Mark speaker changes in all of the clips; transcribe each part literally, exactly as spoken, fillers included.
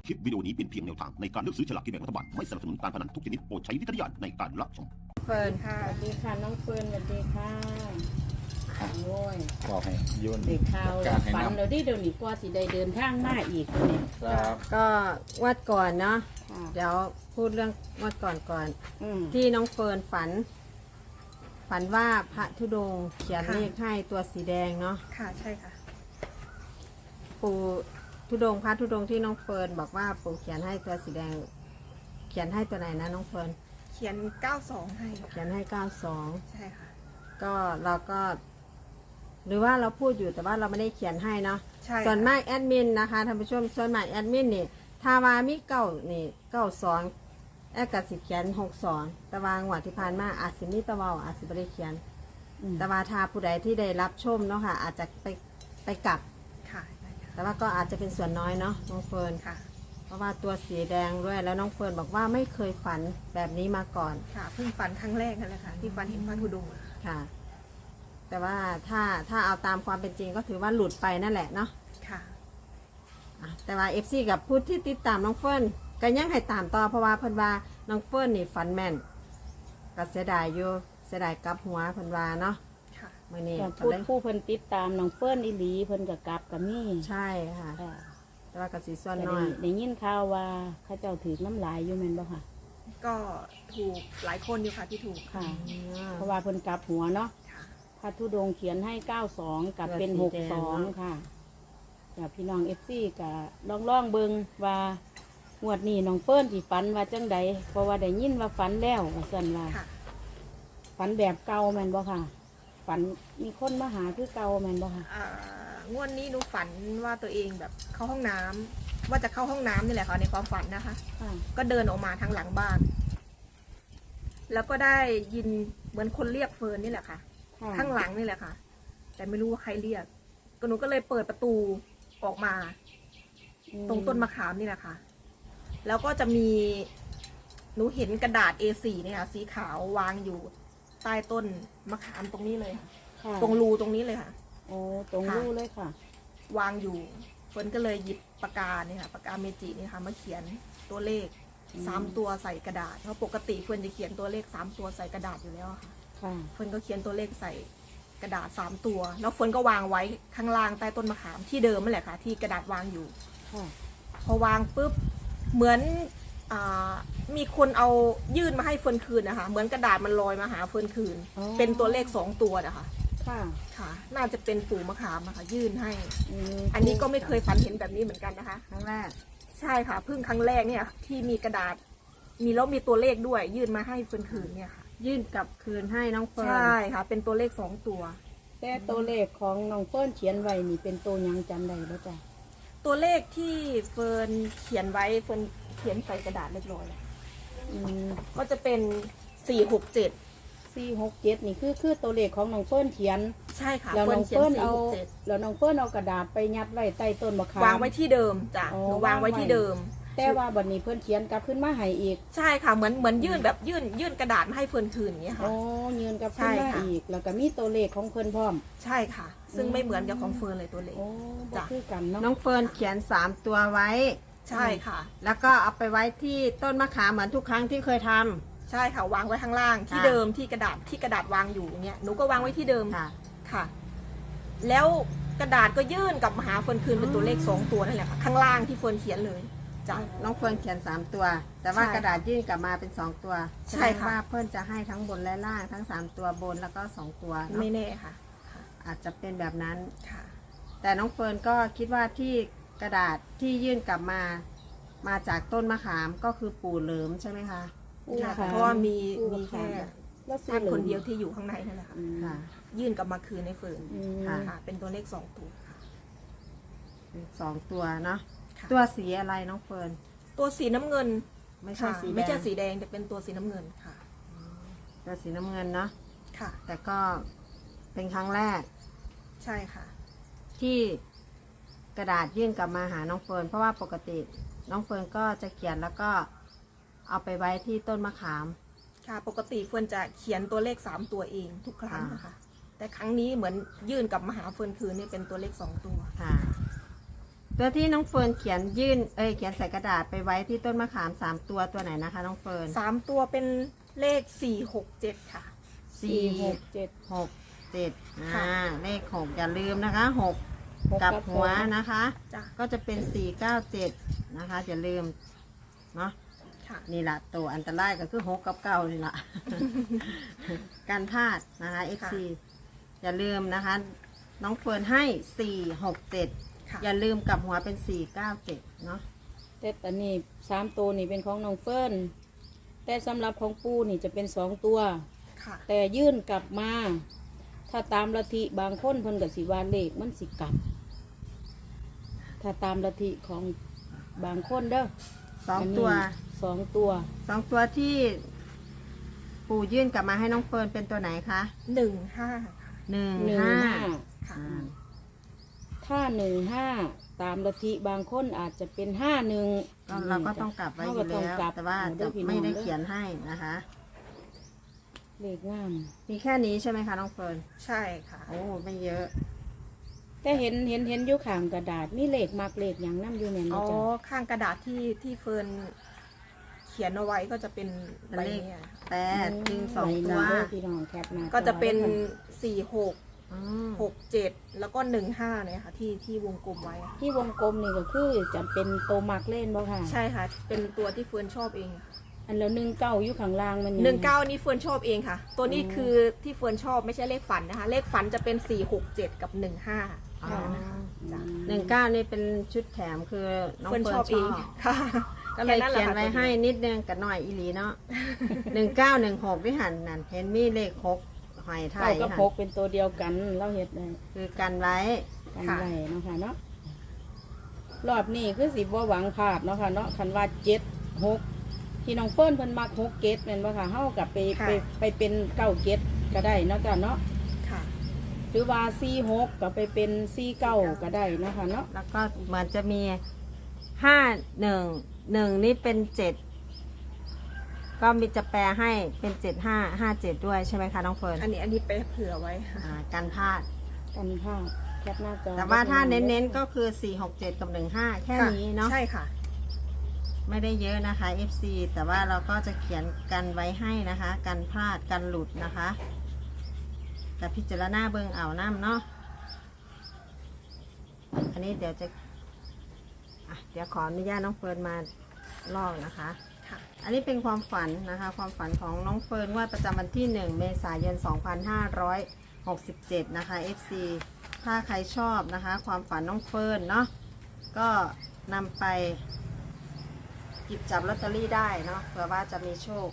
Speaker 1: คลิปวิดีโอนี้เป็นเพียงแนวทางในการเลือกซื้อฉลากกินแบ่งรัฐบาลไม่สนับสนุนการพนันทุกชนิดโปรดใช้วิจารณญาณในการรับชม
Speaker 2: เฟิร์น
Speaker 3: ค่ะ
Speaker 2: สวัสดีค่ะน้องเฟิร์นสวัสดีค่ะโอ้ย
Speaker 4: บอกให้ยุ่น
Speaker 2: เด็กข่าว
Speaker 4: การให้
Speaker 2: ฝัน
Speaker 4: นำ
Speaker 2: เราที่เดี๋ยวนี้กว่าสิได้เดินทางมาอีกเนี่ย
Speaker 4: ครับ
Speaker 3: ก็วัดก่อนเนาะ
Speaker 2: ค่ะ
Speaker 3: เดี๋ยวพูดเรื่องวัดก่อนก่อน
Speaker 2: อืม
Speaker 3: ที่น้องเฟิร์นฝัน ฝันว่าพระธุดงค์เขียน
Speaker 5: ค่ะ
Speaker 3: เลขให้ตัวสีแดงเนาะ
Speaker 5: ค่ะใช่ค่ะ
Speaker 3: ปู่ธุดงค์พระธุดงค์ที่น้องเฟิร์นบอกว่าปู่เขียนให้ตัวสีแดง เขียนให้ตัวไหนนะน้องเฟิร์น
Speaker 5: เขียนเก้าสองให้
Speaker 3: เขีย
Speaker 5: ค่ะ
Speaker 3: นให้เก้าสอง
Speaker 5: ใช่ค่ะ
Speaker 3: ก็เราก็ หรือว่าเราพูดอยู่แต่ว่าเราไม่ได้เขียนให้เนาะ
Speaker 5: ใช่
Speaker 3: ส่วน
Speaker 5: ค่ะ
Speaker 3: มากแอดมินนะคะท่านผู้ชมส่วนมากแอดมินนี่ถ้าว่ามีเก้านี่เก้าสองแอดกับสิเขียนหกสองแต่ว่างวดที่ผ่านมาอาจสิมีตะเวาอาจสิไม่ได้เขียน
Speaker 2: อืม
Speaker 3: แต่ว่าถ้าผู้ใดที่ได้รับชมเนาะค่ะ อาจจะไปไปกลับ
Speaker 5: ค่ะได้ค่ะ
Speaker 3: แต่ว่าก็อาจจะเป็นส่วนน้อยเนาะน้องเฟิร์น
Speaker 5: ค่ะ
Speaker 3: เพราะว่าตัวสีแดงด้วยแล้วน้องเฟิร์นบอกว่าไม่เคยฝันแบบนี้มาก่อน
Speaker 5: ค่ะเพิ่งฝันครั้งแรกนั่นแหละค่ะที่ฝันเห็นพระธุดงค์อะ
Speaker 3: ค่ะ แต่ว่าถ้าถ้าเอาตามความเป็นจริงก็ถือว่าหลุดไปนั่นแหละเนาะ
Speaker 5: ค่ะ
Speaker 3: อ่ะแต่ว่าเอฟซีกับผู้ที่ติดตามน้องเฟิร์นก็ยังให้ตามต่อเพราะว่าเพิ่นว่าน้องเฟิร์นนี่ฝันแม่นก็เสียดายอยู่เสียดายกลับหัวเพิ่นว่าเนาะ
Speaker 5: ค่ะ
Speaker 3: มื่อนี้
Speaker 2: แต่
Speaker 3: ก็
Speaker 2: พูด
Speaker 3: เลย
Speaker 2: ผู้เพิ่นติดตามน้องเฟิร์นอีหลีเพิ่นกับกลับกับมี่
Speaker 3: ใช่ค่ะ
Speaker 2: ค่ะ
Speaker 3: แต่ว่ากสิส่วน
Speaker 2: แต่
Speaker 3: น้อย
Speaker 2: ได้ยินข่าวว่าเข้าเจ้าถือน้ำลายอยู่แม่นบ่ค่ะ
Speaker 5: ก็ถูกหลายคนอยู่ค่ะที่ถูก
Speaker 2: ค่ะ
Speaker 3: อืม
Speaker 2: เพราะว่าเพิ่นกลับหัวเนาะ
Speaker 5: ค่ะ
Speaker 2: พระธุดงค์เขียนให้เก้าสองกับเป็น
Speaker 3: ตัว
Speaker 2: ห
Speaker 3: สี
Speaker 2: ก
Speaker 3: แด
Speaker 2: ส
Speaker 3: ง
Speaker 2: อง
Speaker 3: เนาะ
Speaker 2: ค่ะกับพี่น้องเอฟซีกับลองล่องๆเบิงว่างวดนี้น้องเปิ้ลสิฝันว่าจังใดเพราะว่าได้ยินว่าฝันแล้วว่าซั่นว่า
Speaker 5: ค่ะ
Speaker 2: ฝันแบบเก่าแม่นบ่ค่ะ ฝันมีคนมาหาคือเก่าแม่นบ่ค่ะ
Speaker 5: อ่างวดนี้หนูฝันว่าตัวเองแบบเข้าห้องน้ำว่าจะเข้าห้องน้ำนี่แหละค่ะในความฝันนะคะ
Speaker 2: ค่ะ
Speaker 5: ก็เดินออกมาทางหลังบ้าน แล้วก็ได้ยินเหมือนคนเรียกเฟิร์นนี่แหละค่ะ
Speaker 2: ค่ะ
Speaker 5: ข้างหลังนี่แหละค่ะ แต่ไม่รู้ว่าใครเรียก ก็หนูก็เลยเปิดประตูออกมา
Speaker 2: อื
Speaker 5: ตรงต้นมะขามนี่แหละค่ะ แล้วก็จะมี หนูเห็นกระดาษ เอ โฟร์ เนี่ยค่ะสีขาววางอยู่ ใต้ต้นมะขามตรงนี้เลยค่ะ
Speaker 2: ค่ะ
Speaker 5: ตรงรูตรงนี้เลยค่ะ
Speaker 2: โอ้ตรงรูเลยค่ะ
Speaker 5: วางอยู่ฝนก็เลยหยิบปากกาเนี่ยค่ะปากกาเมจิเนี่ยค่ะมาเขียนตัวเลข
Speaker 2: อืม
Speaker 5: สามตัวใส่กระดาษ เพราะปกติเฟิร์นจะเขียนตัวเลขสามตัวใส่กระดาษอยู่แล้วอะค่ะ
Speaker 2: ค่ะ
Speaker 5: เฟิร์นก็เขียนตัวเลขใส่กระดาษสามตัว แล้วเฟิร์นก็วางไว้ข้างล่างใต้ต้นมะขามที่เดิมนั่นแหละค่ะ ที่กระดาษวางอยู่
Speaker 2: ค่ะ
Speaker 5: พอวางปุ๊บเหมือนอามีคนเอายื่นมาให้เฟิร์นคืนนะคะ เหมือนกระดาษมันลอยมาหาเฟิร์นคืน
Speaker 2: อ๋อ
Speaker 5: เป็นตัวเลขสองตัวนะคะ
Speaker 2: ค่ะ
Speaker 5: ค่ะ น่าจะเป็นปู่มะขามนะคะยื่นให้
Speaker 2: ม
Speaker 5: อันนี้ก็ไม่เคยฝันเห็นแบบนี้เหมือนกันนะคะ
Speaker 3: ครั้งแรก
Speaker 5: ใช่ค่ะเพิ่งครั้งแรกเนี่ยที่มีกระดาษ มีแล้วมีตัวเลขด้วย ยื่นมาให้เฟิร์นคืนเนี่ยค่ะ
Speaker 3: ยื่นกลับคืนให้น้องเฟิร์น
Speaker 5: ใช่ค่ะ เป็นตัวเลขสองตัว
Speaker 2: แต่ตัวเลขของน้องเปิ้ลเขียนไว้นี่เป็นตัวหยังจำได้บ่จ้ะ
Speaker 5: ตัวเลขที่เฟิร์นเขียนไว้เฟิร์นเขียนใส่กระดาษเรียบร้อยแล้ว
Speaker 2: อืม
Speaker 5: ก็จะเป็นสี่หกเจ็ด
Speaker 2: สี่หกเจ็ดนี่คือคือตัวเลขของน้องเปิ้ลเขียน
Speaker 5: ใช่ค่ะ
Speaker 2: แล้ว
Speaker 5: เฟิ
Speaker 2: น้
Speaker 5: ร์
Speaker 2: อน ง
Speaker 5: เขียน
Speaker 2: เปิ้ล
Speaker 5: สี่
Speaker 2: เอา
Speaker 5: หกเจ็ด
Speaker 2: แล้วน้องเปิ้ลเอากระดาษไปยัดไว้ใต้ต้นมะขาม
Speaker 5: วางไว้ที่เดิมจ้ะ
Speaker 2: อ๋อ
Speaker 5: หนูวางไว้ที่เดิม
Speaker 2: แต่ว่าบัดนี้เพิ่นเขียนกลับขึ้นมาให้อีก
Speaker 5: ใช่ค่ะเหมือนเหมือนยื่นแบบยื่นยื่นกระดาษมาให้เฟิร์นคืนอย่างเงี้ยค่ะ
Speaker 2: อ๋อยืนกลับขึ้น
Speaker 5: ใช่
Speaker 2: มา
Speaker 5: ค่ะ
Speaker 2: อีก แล้วก็มีตัวเลขของเพิ่นพร้อม
Speaker 5: ใช่ค่ะ ซึ่ง
Speaker 2: อืม
Speaker 5: ไม่เหมือนกับของเฟิร์นเลยตัวเลข
Speaker 2: โอ้บ่
Speaker 5: จ้ะ
Speaker 2: คือกันเนาะ
Speaker 3: น้องเฟิร์นเขียนสามตัวไว้
Speaker 5: ใช่ค่ะ
Speaker 3: แล้วก็เอาไปไว้ที่ต้นมะขามเหมือนทุกครั้งที่เคยทำ
Speaker 5: ใช่ค่ะวางไว้ข้างล่างที่
Speaker 3: ค่ะ
Speaker 5: เดิมที่กระดาษที่กระดาษวางอยู่อย่างเงี้ยหนูก็วางไว้ที่เดิม
Speaker 3: ค่ะ
Speaker 5: ค่ะ แล้วกระดาษก็ยื่นกลับมาหาเฟิร์นคืนเป็นตัวเลขสองตัวนั่นแหละค่ะ ข้างล่างที่เฟิร์นเขียนเลยจ้ะ
Speaker 3: น้องเฟิร์นเขียนสามตัว แต่ว่า
Speaker 5: ใช่
Speaker 3: กระดาษยื่นกลับมาเป็นสองตัว
Speaker 5: ใช่ค่ะ
Speaker 3: แสดงว่าเพื่อนจะให้ทั้งบนและล่างทั้งสามตัวบนแล้วก็สองตัวเนอะ
Speaker 5: ไม่แน่ค่ะค่ะ
Speaker 3: อาจจะเป็นแบบนั้น
Speaker 5: ค่ะ
Speaker 3: แต่น้องเฟิร์นก็คิดว่าที่กระดาษที่ยื่นกลับมา มาจากต้นมะขามก็คือปู่เหลิมใช่ไหมคะ
Speaker 2: ผู้
Speaker 5: ค่ะ
Speaker 2: ข
Speaker 5: เพราะว่ามี
Speaker 2: ผู้
Speaker 5: มีแค่
Speaker 2: ขแล้วซื้อ
Speaker 5: ท่าน
Speaker 2: หลื
Speaker 5: ค
Speaker 2: อน
Speaker 5: เดียวที่อยู่ข้างในนั่นแหละค่ะ
Speaker 2: อืม
Speaker 3: ค่ะ
Speaker 5: ยื่นกลับมาคืนในเฟิร์น
Speaker 2: อืม
Speaker 3: ค่ะ
Speaker 5: ค่ะ เป็นตัวเลขสองตัวค่ะ
Speaker 3: สองตัวเนาะ
Speaker 5: ค่ะ
Speaker 3: ตัวสีอะไรน้องเฟิร์น
Speaker 5: ตัวสีน้ำเงิน
Speaker 3: ไม่ใช่
Speaker 5: ค่ะ
Speaker 3: สีแดง
Speaker 5: ไม่ใช่สีแดงแต่เป็นตัวสีน้ำเงินค่ะ
Speaker 3: ตัวสีน้ำเงินเนาะ
Speaker 5: ค่ะ
Speaker 3: แต่ก็เป็นครั้งแรก
Speaker 5: ใช่ค่ะ
Speaker 3: ที่กระดาษยื่นกลับมาหาน้องเฟิร์นเพราะว่าปกติน้องเฟิร์นก็จะเขียนแล้วก็เอาไปไว้ที่ต้นมะขาม
Speaker 5: ค่ะ ปกติเฟิร์นจะเขียนตัวเลขสามตัวเองทุกครั้ง
Speaker 3: ค่ะ
Speaker 5: นะคะ แต่ครั้งนี้เหมือนยื่นกลับมาหาเฟิร์นคืนนี่เป็นตัวเลขสองตัว
Speaker 3: ค่ะ แตัวที่น้องเฟิร์นเขียนยื่นเอ้ยเขียนใส่กระดาษไปไว้ที่ต้นมะขามสามตัวตัวไหนนะคะน้องเฟิร์น
Speaker 5: สามตัวเป็นเลขสี่หกเจ็ดค่ะ
Speaker 2: สี่หกเจ็ด
Speaker 3: หกเจ็ด
Speaker 5: ค่ะ
Speaker 3: อ่าเลขหกอย่าลืมนะคะหก
Speaker 2: หก
Speaker 3: กับ
Speaker 2: กับ
Speaker 3: หัว
Speaker 2: สอง
Speaker 3: นะคะ
Speaker 5: จ้ะ
Speaker 3: ก็จะเป็นสี่เก้าเจ็ดนะคะอย่าลืมเนาะ
Speaker 5: ค่ะ
Speaker 3: นี่แหละตัวอันตรายก็คือหกกับเก้านี่แหละ การพลาดนะคะ เอฟ ซี อย่าลืมนะคะ น้องเฟิร์นให้สี่หกเจ็ด
Speaker 5: ค่ะ
Speaker 3: อย่าลืมกลับหัวเป็นสี่เก้าเจ็ดเนาะ
Speaker 2: แต่ตอนนี้สามตัวนี่เป็นของน้องเฟิร์นแต่สำหรับของปูนี่จะเป็นสองตัว
Speaker 5: ค่ะ
Speaker 2: แต่ยื่นกลับมา ถ้าตามลัทธิบางคนเพิ่นกับสิวาเลขมันสิกลับ ถ้าตามลัทธิของบางคนเด้อ
Speaker 3: สองตัว
Speaker 2: นนี้สองตัว
Speaker 3: สองตัวที่ปู่ยื่นกลับมาให้น้องเฟิร์นเป็นตัวไหนคะ
Speaker 5: หนึ่งห้าค่ะ
Speaker 3: หนึ่ง
Speaker 2: หนึ่ง
Speaker 3: ห้า
Speaker 2: ห้า
Speaker 5: ค่ะ
Speaker 3: อ่า
Speaker 2: ถ้าหนึ่งห้าตามลัทธิบางคนอาจจะเป็นห้าหนึ่ง
Speaker 3: ก็เราก็ต้องกลับไว้อยู่แล้วแต่ว่าจะไม่ได้เขียนให้นะคะ
Speaker 2: เลขงาม
Speaker 3: มีแค่นี้ใช่ไหมคะน้องเฟิร์น
Speaker 5: ใช่ค่ะ
Speaker 3: โอ้ไม่เยอะ
Speaker 2: แต่เห็นเห็นเห็นอยู่ข้างกระดาษนี่เลขมากเลขอย่างน้ำอยู่แม่น
Speaker 5: อ๋
Speaker 2: บ่
Speaker 5: อ
Speaker 2: จ้ะ
Speaker 5: ข้างกระดาษที่ที่เฟิร์นเขียนเอาไว้ก็จะเป็นใบเนี้ย
Speaker 3: แปดจึงสอง
Speaker 2: ไ
Speaker 3: ตัว
Speaker 2: เด้อพี่น้องแคปหน้าจอ
Speaker 5: ก็จะเป็น
Speaker 2: ไว้ค่
Speaker 5: สี่หก
Speaker 3: อืม
Speaker 5: หกเจ็ดแล้วก็หนึ่งห้าเนี่ยค่ะที่ที่วงกลมไว้อะ
Speaker 2: ที่วงกลมนี่ก็คือจะเป็นโตมากเล่นบ่ค่ะ
Speaker 5: ใช่ค่ะ เป็นตัวที่เฟิร์นชอบเองค่ะ
Speaker 2: อันแล้วหนึ่งเก้าอยู่ข้างล่างมันยัง
Speaker 5: หนึ่งเก้านี่เฟิร์นชอบเองค่ะ ตัวนี้
Speaker 2: อืม
Speaker 5: คือที่เฟิร์นชอบไม่ใช่เลขฝันนะคะ เลขฝันจะเป็นสี่หกเจ็ดกับหนึ่งห้า
Speaker 3: อ๋อ
Speaker 5: จ้ะ
Speaker 3: หนึ่งเก้านี่เป็นชุดแถมคือน้อง
Speaker 5: เฟิร์น
Speaker 3: เฟิ
Speaker 5: ช
Speaker 3: ร์
Speaker 5: อน บ
Speaker 3: ช
Speaker 5: เอ
Speaker 3: อง บ
Speaker 5: ค่ะ
Speaker 3: ก็เลยเขียนไว้ให้นิดนึงกับหน่อยอีหลีเนาะหนึ่งเก้าหนึ่งหกที่หันนั่นเห็นมีเลขหกหอยไท
Speaker 2: เก้าย กับ
Speaker 3: หัน
Speaker 2: หกเป็นตัวเดียวกันเราเฮ็ดได้
Speaker 3: คือกันไว้
Speaker 2: กันไว้เนาะค่ะเนาะรอบนี้คือสิบ่หวังพลาดเนาะค่ะเนาะคันว่าเจ็ดหกที่น้องเฟิร์นเพิ่นมักหกเกตแม่นบ่ค่ะเฮากับไป
Speaker 5: ค่ะ
Speaker 2: ไปไปเป็นเก้าเกตก็ได้เนาะจ้ะเนาะ
Speaker 5: ค่ะ
Speaker 2: หรือว่าสี่หกก็ไปเป็นสี่เก้าก็ได้เนาะค่ะเนาะ
Speaker 3: แล้วก็เหมือนจะมีห้าหนึ่งหนึ่งนี่เป็นเจ็ดก็มีจะแปลให้เป็นเจ็ดห้าห้าเจ็ดด้วยใช่ไหมคะน้องเฟิร์น
Speaker 5: อันนี้อันนี้ไปเผื่อไว้ค่ะ
Speaker 3: อ่ากันพลาด
Speaker 2: กันภาพแคปหน้าจอ
Speaker 3: แต่ว่าถ้าเน้นๆก็คือสี่หกเจ็ดกับหนึ่งห้าแค่นี้เนาะ
Speaker 5: ใช่ค่ะ
Speaker 3: ไม่ได้เยอะนะคะ เอฟ ซี แต่ว่าเราก็จะเขียนกันไว้ให้นะคะ กันพลาดกันหลุดนะคะแต่พิจารณาเบิงเอาน้ำเนาะอันนี้เดี๋ยวจะอ่ะเดี๋ยวขออนุญาตน้องเฟิร์นมาลอกนะคะ
Speaker 5: ค่ะ
Speaker 3: อันนี้เป็นความฝันนะคะ ความฝันของน้องเฟิร์นว่าประจำวันที่หนึ่งเมษายนสองพันห้าร้อยหกสิบเจ็ดนะคะ เอฟ ซี ถ้าใครชอบนะคะ ความฝันน้องเฟิร์นเนาะก็นำไปหยิบจับลอตเตอรี่ได้เนาะเผื่อว่าจะมีโชค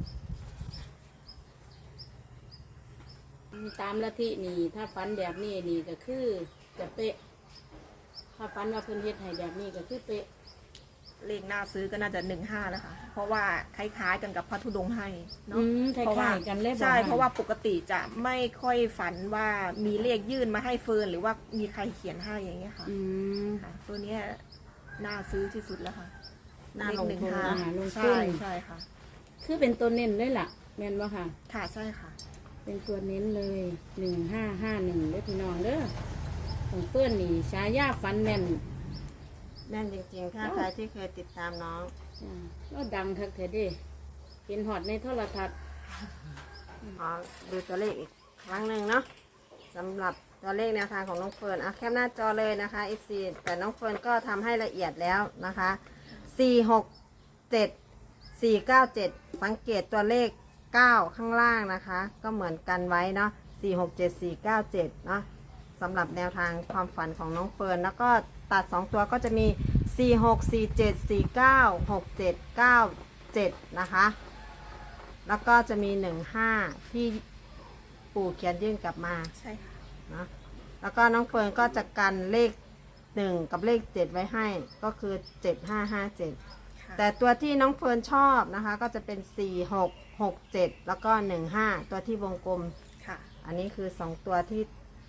Speaker 2: ตามลัทธินี่ถ้าฟันแบบนี้นี่ก็คือจะเป๊ะ ถ้าฟันว่าเพิ่นเฮ็ดให้แบบนี้ก็คือเป๊ะ
Speaker 5: เลขหน้าซื้อก็น่าจะหนึ่งห้าแล้วค่ะ เพราะว่าคล้ายๆกันกับพระธุดงค์ให้เนาะ
Speaker 2: อืมค
Speaker 5: เพราะว่า
Speaker 2: ล้ายๆกันเลยบ่
Speaker 5: ใช่
Speaker 2: ค่
Speaker 5: เพราะว่าปกติจะไม่ค่อยฝันว่ามีเลขยื่นมาให้เฟิร์นหรือว่ามีใครเขียนให้อย่างเงี้ยค่ะ
Speaker 2: อืม
Speaker 5: ค่ะ ตัวเนี้ยน่าซื้อที่สุดแล้วค่ะ
Speaker 3: น่าลงทุน
Speaker 5: เลขห
Speaker 2: น่าลงทุน
Speaker 5: ใช่ใช่ค่ะ
Speaker 2: คือเป็นตัวเน้นเลยล่ะ แม่นบ่ค่ะ
Speaker 5: ค่ะใช่ค่ะ
Speaker 2: เป็นตัวเน้นเลยหนึ่งห้าห้าหนึ่งเด้อพี่น้องเด้อของเพื่อนนี่ฉายาฟันแม่น
Speaker 3: แน่นจริงๆ ถ้าใครที่เคยติดตามน้อง
Speaker 2: อ่าก็ดังทักเถอะเด้เห็นหอดในโทรทัศน์
Speaker 3: ขอดูตัวเลขอีกครั้งหนึ่งเนาะสำหรับตัวเลขแนวทางของน้องเฟิร์นอ่ะแคปหน้าจอเลยนะคะ เอฟ ซี แต่น้องเฟิร์นก็ทำให้ละเอียดแล้วนะคะสี่หกเจ็ด สี่เก้าเจ็ดสังเกตตัวเลขเก้าข้างล่างนะคะ ก็เหมือนกันไว้เนาะสี่หกเจ็ด สี่เก้าเจ็ดเนาะสำหรับแนวทางความฝันของน้องเฟิร์นแล้วก็ตัดสองตัวก็จะมีสี่หก สี่เจ็ด สี่เก้า หกเจ็ด เก้าเจ็ดนะคะแล้วก็จะมีหนึ่งห้าที่ปู่เขียนยื่นกลับมา
Speaker 5: ใช่ค่ะ
Speaker 3: เนาะแล้วก็น้องเฟิร์นก็จะกันเลขหนึ่งกับเลขเจ็ดไว้ให้ก็คือเจ็ดห้าห้าเจ็ด
Speaker 5: ค่ะ
Speaker 3: แต่ตัวที่น้องเฟิร์นชอบนะคะก็จะเป็นสี่หก หกเจ็ดแล้วก็หนึ่งห้าตัวที่วงกลม
Speaker 5: ค่ะ
Speaker 3: อันนี้คือสองตัวที่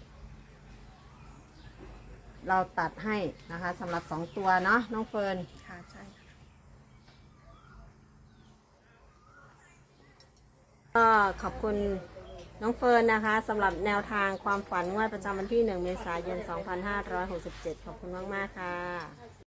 Speaker 3: เราตัดให้นะคะสำหรับสองตัวเนาะน้องเฟิร์น
Speaker 5: ค่ะใช่ค่ะ
Speaker 3: ก็ขอบคุณน้องเฟิร์นนะคะสำหรับแนวทางความฝันงวดประจำวันที่หนึ่งเมษายนสองพันห้าร้อยหกสิบเจ็ดขอบคุณมากๆค่ะ